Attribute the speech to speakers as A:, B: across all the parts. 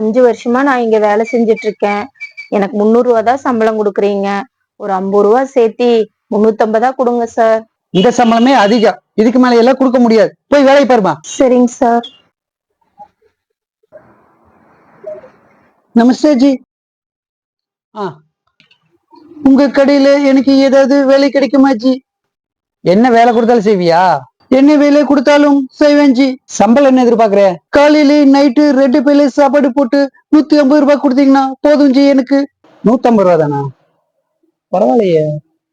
A: 5 வருஷமா நான் இங்க வேலை செஞ்சுட்டு இருக்கேன். எனக்கு 300 ரூபா தான் சம்பளம் கொடுக்குறீங்க. ஒரு 50 ரூபா சேர்த்தி 350 கொடுங்க சார்.
B: இந்த சம்பளமே அதிகம், இதுக்கு மேல எல்லாம் கொடுக்க முடியாது. போய் வேலையை பாருமா.
A: சரிங்க சார்.
B: நமஸ்தே ஜி. உங்க கடையில எனக்கு ஏதாவது வேலை கிடைக்குமா ஜி? என்ன வேலை கொடுத்தாலும் செய்வியா? என்ன வேலை கொடுத்தாலும் செய்வேன் ஜி. சம்பளம் என்ன எதிர்பார்க்கற? காலையில நைட்டு 2 பேர்ல சாப்பாடு போட்டு 150 ரூபாய் கொடுத்தீங்கன்னா போதும் ஜி. எனக்கு 150 ரூபா தானா? பரவாயில்லையே.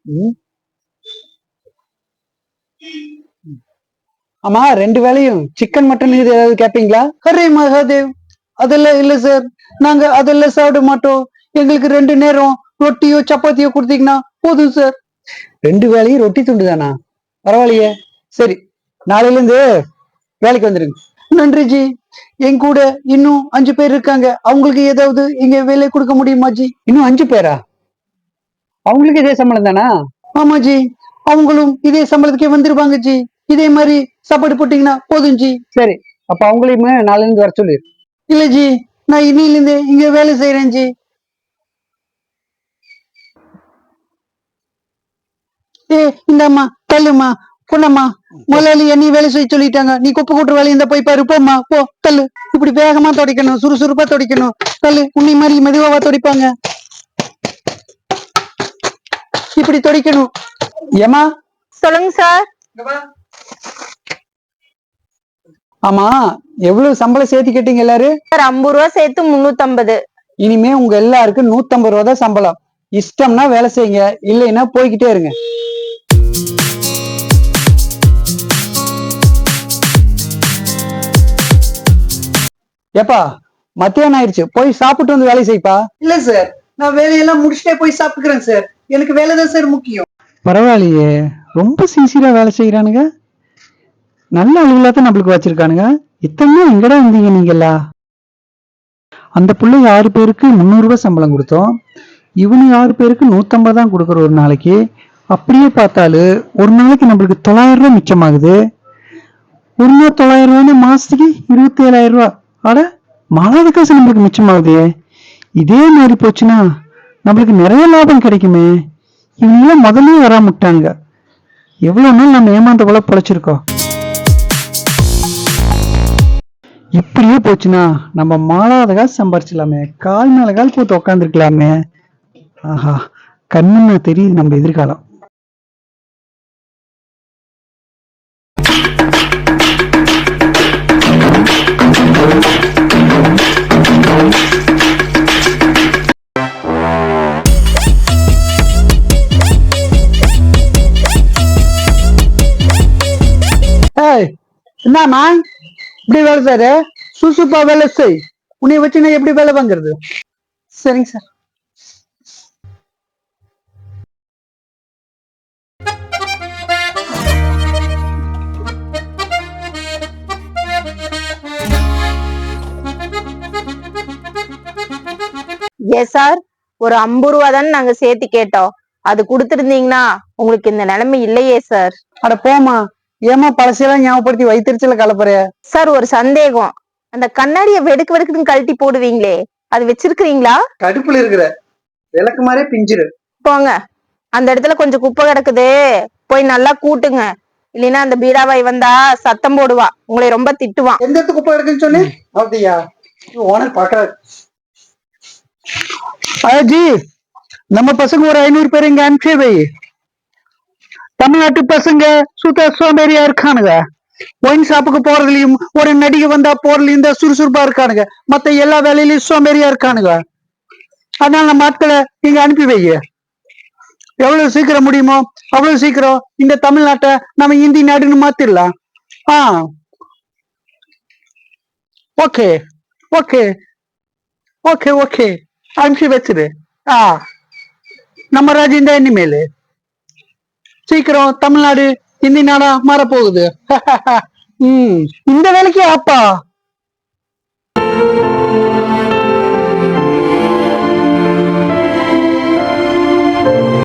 B: ஆமா, 2 வேலையும் சிக்கன் மட்டன் இது ஏதாவது கேட்பீங்களா? ஹரே மகாதேவ், அதெல்லாம் இல்ல சார். நாங்க அதெல்லாம் சாப்பிட மாட்டோம். எங்களுக்கு 2 நேரம் ரொட்டியோ சப்பாத்தியோ கொடுத்தீங்கன்னா போதும் சார். 2 வேலையும் ரொட்டி துண்டு தானா? பரவாயில்லையே. சரி, நாளையில இருந்து வேலைக்கு வந்துருங்க. நன்றி ஜி. என் கூட இன்னும் 5 பேர் இருக்காங்க. அவங்களுக்கு ஏதாவது இங்க வேலை கொடுக்க முடியுமா ஜி? இன்னும் 5 பேரா? அவங்களுக்கு இதே சம்பளம் தானா? ஆமா ஜி, அவங்களும் இதே சம்பளத்துக்கே வந்துருவாங்க ஜி. இதே மாதிரி சாப்பாடு போட்டீங்கன்னா போதும் ஜி. சரி, அப்ப அவங்களையுமே நாளைல இருந்து வர சொல்லு. இல்ல ஜி, நான் இன்னில இருந்து இங்க வேலை செய்யறேன் ஜி. இந்தம்மா தள்ளுமா பொண்ணம்மா. முதலாளி என்னை வேலை செய்ய சொல்லிட்டாங்க. நீ குப்பை கூட்டுற வேலை இந்த போய் பாரு. போம்மா போ. தள்ளு. இப்படி வேகமா துடைக்கணும், சுறுசுறுப்பா துடைக்கணும். தள்ளு. உன்னை மாதிரி மெதுவாவா துடைப்பாங்க? இப்படி துடைக்கணும். ஏமா?
A: சொல்லுங்க சார்.
B: ஆமா, எவ்வளவு சம்பளம் சேர்த்து கேட்டீங்க எல்லாரும்?
A: சார் 50 ரூபா சேர்த்து 350.
B: இனிமே உங்க எல்லாருக்கும் 150 ரூபா தான் சம்பளம். இஷ்டம்னா வேலை செய்யுங்க, இல்லைன்னா போய்கிட்டே இருங்க. ஏப்பா, மத்தியானம் ஆயிடுச்சு, போய் சாப்பிட்டு வந்து வேலை செய்ப்பா. இல்ல சார், நான் வேலையெல்லாம் முடிச்சுட்டே போய் சாப்பிட்டுக்கிறேன் சார். எனக்கு வேலை தான் சார் முக்கியம். பரவாயில்லையே, ரொம்ப சின்சியரா வேலை செய்யறானுங்க. நல்ல அலுவலா தான் நம்மளுக்கு வச்சிருக்கானுங்க. இத்தனை எங்கடா இருந்தீங்க நீங்களா? அந்த பிள்ளை 6 பேருக்கு 300 ரூபாய் சம்பளம் கொடுத்தோம். இவனு 6 பேருக்கு 150 தான் கொடுக்குற ஒரு நாளைக்கு. அப்படியே பார்த்தாலும் ஒரு நாளைக்கு நம்மளுக்கு 900 ரூபாய் மிச்சமாகுது. ஒரு நாள் 900 ரூபாய்னா மாசத்துக்கு 27,000 ரூபாய். ஆட, மாத காசு நம்மளுக்கு மிச்சமாகுது. இதே மாதிரி போச்சுன்னா நம்மளுக்கு நிறைய லாபம் கிடைக்குமே. இவங்கெல்லாம் முதல்ல வராமட்டாங்க. எவ்வளவு நாள் நம்ம ஏமாந்த போல பொழைச்சிருக்கோம். இப்படியே போச்சுன்னா நம்ம மாளாத காசு சம்பாரிச்சிடலாமே. கால் மேல கால் போட்டு உக்காந்துருக்கலாமே. ஆஹா, கண்ணுன்னு தெரியுது நம்ம எதிர்காலம். என்னம்மா இப்படி வேலை சாரு? சுசுப்பா வேலை செய். உன்னை வச்சு நான் எப்படி வேலை வாங்குறது? சரிங்க சார்.
A: ஏன் சார், ஒரு 50 ரூபா தானே நாங்க சேர்த்து கேட்டோம். அது கொடுத்துருந்தீங்கன்னா உங்களுக்கு இந்த நிலைமை இல்லையே சார்.
B: அட போமா, ஏமா பழசையெல்லாம் ஞாபகப்படுத்தி வைத்திருச்சல கலப்புற?
A: சார், ஒரு சந்தேகம். அந்த கண்ணாடியை வெடுக்கு வெடுக்குன்னு கழட்டி போடுவீங்களே, அது வச்சிருக்கிறீங்களா?
B: கடுப்புல இருக்கிற விளக்கு மாதிரியே பிஞ்சிரு.
A: போங்க, அந்த இடத்துல கொஞ்சம் குப்பை கிடக்குது, போய் நல்லா கூட்டுங்க. இல்லைன்னா அந்த பீடாவாய் வந்தா சத்தம் போடுவா, உங்களை ரொம்ப திட்டுவான்.
B: எந்த இடத்து குப்பை கிடக்குன்னு சொன்னேன்? அப்படியா? ஓனர் பாக்குறாரு. ஜி, நம்ம பசங்க ஒரு 500 பேர் இங்க அனுப்பிச்சே வை. தமிழ்நாட்டு பசங்க சுத்த சோம்பேறியா இருக்கானுங்க. ஒயின் ஷாப்புக்கு போறதுலயும் ஒரு நடிகை வந்தா போறதுலயும் தான் சுறுசுறுப்பா இருக்கானுங்க. மத்த எல்லா வேலையிலயும் சோம்பேறியா இருக்கானுங்க. அதனால நம்ம ஆட்களை இங்க அனுப்பி வை. எவ்வளவு சீக்கிரம் முடியுமோ அவ்வளவு சீக்கிரம் இந்த தமிழ்நாட்டை நம்ம இந்தி நாடுன்னு மாத்திரலாம். ஓகே ஓகே ஓகே ஓகே, அனுப்பி வச்சிரு. நம்ம ராஜ்யம் தான் இனிமேலு. சீக்கிரம் தமிழ்நாடு இந்தி நாடா மாறப்போகுது. இந்த வேலைக்கு அப்பா